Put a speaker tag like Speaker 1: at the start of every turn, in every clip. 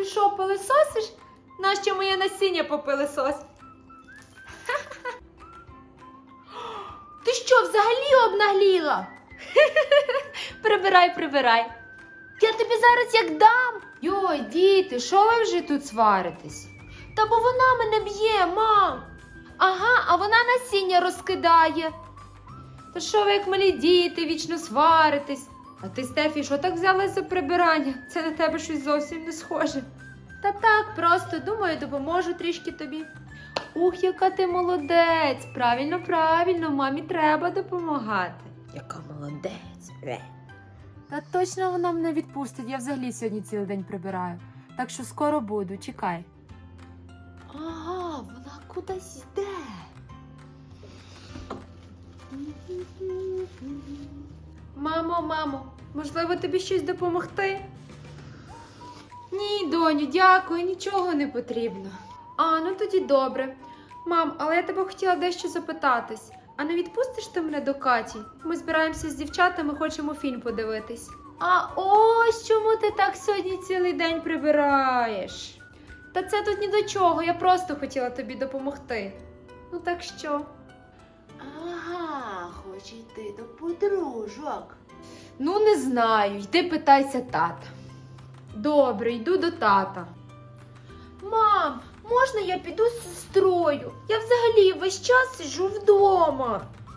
Speaker 1: Ти що, пилисосиш? Нащо моє насіння попилисось? Ти що, взагалі обнагліла? Прибирай, прибирай. Я тобі зараз як дам. Йой, діти, що ви вже тут сваритесь? Та бо вона мене б'є, мам. Ага, а вона насіння розкидає. Та що ви, як малі діти, вічно сваритесь? А ти, Стефі, що так взялась за прибирання? Це на тебе щось зовсім не схоже. Та так, просто, думаю, допоможу трішки тобі. Ух, яка ти молодець! Правильно, правильно, мамі треба допомагати.
Speaker 2: Яка молодець.
Speaker 1: Та точно вона мене відпустить, я взагалі сьогодні цілий день прибираю. Так що скоро буду, чекай.
Speaker 2: Ага, вона кудись йде.
Speaker 1: Мамо, можливо, тобі щось допомогти? Ні, доню, дякую, нічого не потрібно. А, ну тоді добре. Мам, але я тебе хотіла дещо запитатись. А не відпустиш ти мене до Каті? Ми збираємося з дівчатами, хочемо фільм подивитись. А ось чому ти так сьогодні цілий день прибираєш? Та це тут ні до чого, я просто хотіла тобі допомогти. Ну так що?
Speaker 2: Ага, хоче йти до подружок.
Speaker 1: Ну, не знаю, йди питайся тата. Добре, йду до тата. Мам, можна я піду з сестрою? Я взагалі весь час сиджу вдома.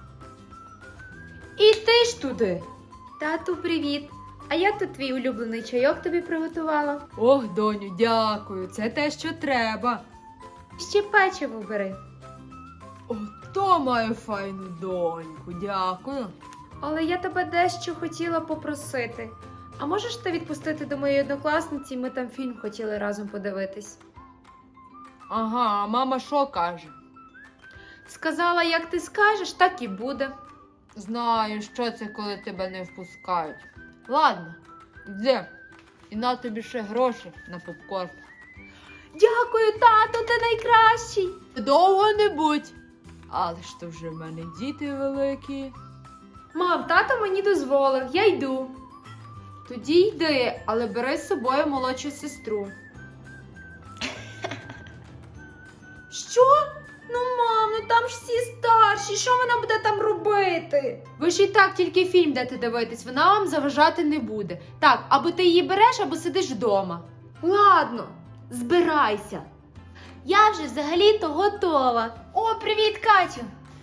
Speaker 1: І ти ж туди. Тату, привіт. А я тут твій улюблений чайок тобі приготувала. Ох, доню, дякую, це те, що треба. Ще печиво бери. Ото маю файну доньку, дякую. Але я тебе дещо хотіла попросити. А можеш ти відпустити до моєї однокласниці, ми там фільм хотіли разом подивитись? Ага, а мама що каже? Сказала, як ти скажеш, так і буде. Знаю, що це, коли тебе не впускають. Ладно, йди. І на тобі ще гроші на попкорн. Дякую, тато, ти найкращий. Довго не будь. Але ж то вже в мене діти великі. Мам, тато мені дозволив, я йду. Тоді йди, але бери з собою молодшу сестру. Що? Ну, мам, ну там ж всі старші, що вона буде там робити? Ви ж і так тільки фільм дете дивитись, вона вам заважати не буде. Так, або ти її береш, або сидиш вдома. Ладно, збирайся. Я вже взагалі-то готова. О, привіт, Катю.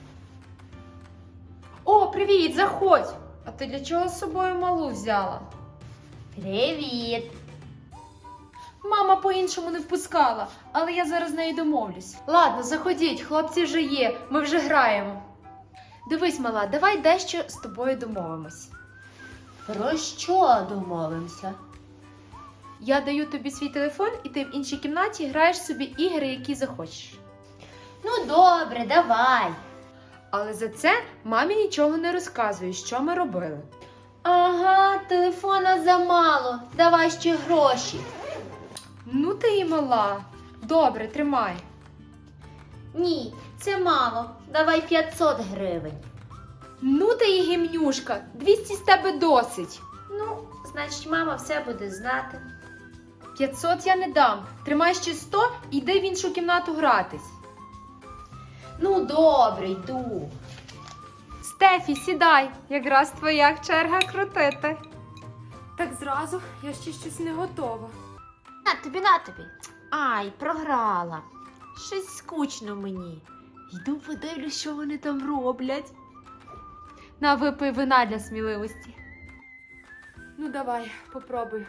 Speaker 1: О, привіт, заходь. А ти для чого з собою малу взяла?
Speaker 2: Привіт.
Speaker 1: Мама по-іншому не впускала, але я зараз з нею домовлюсь. Ладно, заходіть, хлопці вже є, ми вже граємо. Дивись, мала, давай дещо з тобою домовимось.
Speaker 2: Про що домовимося?
Speaker 1: Я даю тобі свій телефон, і ти в іншій кімнаті граєш собі ігри, які захочеш.
Speaker 2: Ну добре, давай.
Speaker 1: Але за це мамі нічого не розказує, що ми робили.
Speaker 2: Ага, телефона замало. Давай ще гроші.
Speaker 1: Ну ти і мала. Добре, тримай.
Speaker 2: Ні, це мало. Давай 500 гривень.
Speaker 1: Ну ти і гімнюшка, 200 з тебе досить.
Speaker 2: Ну, значить, мама все буде знати.
Speaker 1: 500 я не дам. Тримай ще 100 і йди в іншу кімнату гратись.
Speaker 2: Ну, добре, йду.
Speaker 1: Стефі, сідай. Якраз твоя черга крутити. Так зразу, я ще щось не готова.
Speaker 2: На тобі. Ай, програла. Щось скучно мені. Йду подивлюсь, що вони там роблять.
Speaker 1: На, випий вина для сміливості. Ну давай, попробуй.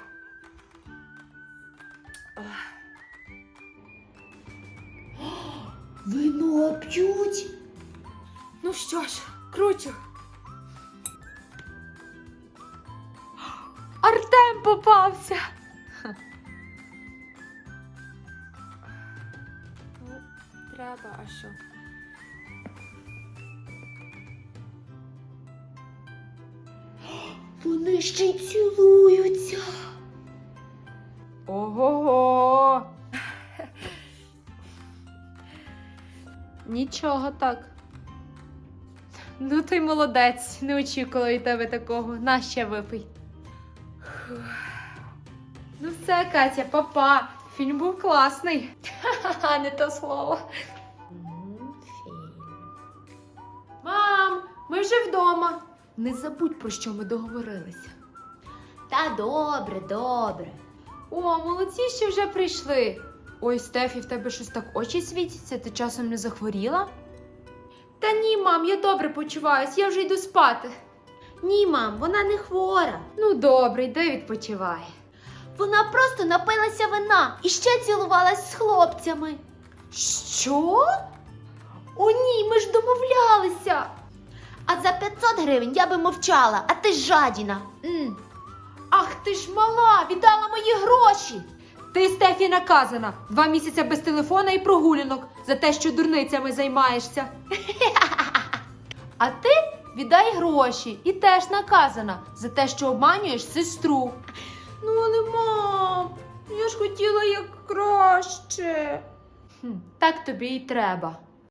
Speaker 2: Вино п'ють?
Speaker 1: Ну що ж, кручу. Артем попався. Ну, треба, а що?
Speaker 2: Вони ще й цілуються.
Speaker 1: Ого-го. Нічого так. Ну ти молодець, не очікувала від тебе такого. На, ще випий. Ну все, Катя, папа. фільм був класний. Ха-ха, не то слово.
Speaker 2: Фільм.
Speaker 1: Мам, ми вже вдома. Не забудь, про що ми договорилися.
Speaker 2: Та добре, добре.
Speaker 1: О, молодці, що вже прийшли. Ой, Стефі, в тебе щось так очі світяться, ти часом не захворіла? Та ні, мам, я добре почуваюсь, я вже йду спати.
Speaker 2: Ні, мам, вона не хвора.
Speaker 1: Ну добре, йди відпочивай.
Speaker 2: Вона просто напилася вина і ще цілувалась з хлопцями.
Speaker 1: Що? О ні, ми ж домовлялися.
Speaker 2: А за 500 гривень я би мовчала, а ти ж жадіна.
Speaker 1: Ах, ти ж мала, віддала мої гроші. Ти, Стефі, наказана. 2 місяці без телефона і прогулянок за те, що дурницями займаєшся. А ти віддай гроші і теж наказана за те, що обманюєш сестру. Ну, але, мам, я ж хотіла як краще. Так тобі і треба.